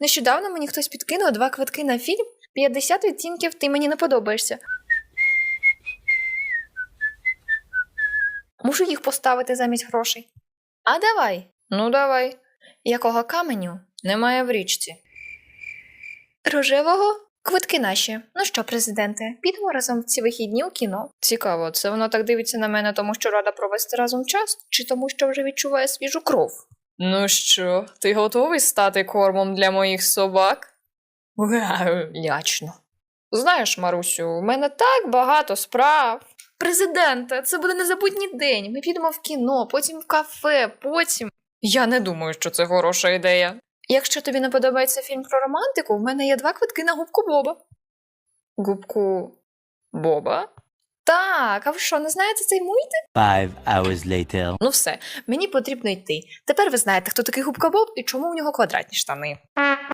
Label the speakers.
Speaker 1: Нещодавно мені хтось підкинув 2 квитки на фільм «50 відтінків ти мені не подобаєшся». Мушу їх поставити замість грошей. А давай. Ну давай. Якого каменю немає в річці? Рожевого? Квитки наші. Ну що, президенте, підемо разом в ці вихідні у кіно. Цікаво, це вона так дивиться на мене, тому що рада провести разом час, чи тому що вже відчуває свіжу кров? Ну що, ти готовий стати кормом для моїх собак? Лячно. Знаєш, Марусю, у мене так багато справ. Президенте, це буде незабутній день. Ми підемо в кіно, потім в кафе, потім... Я не думаю, що це хороша ідея. Якщо тобі не подобається фільм про романтику, в мене є 2 квитки на губку Боба. Губку Боба? Так, а ви що, не знаєте цей мультик?
Speaker 2: 5 hours later.
Speaker 1: Ну все, мені потрібно йти. Тепер ви знаєте, хто такий Губка Боб і чому в нього квадратні штани.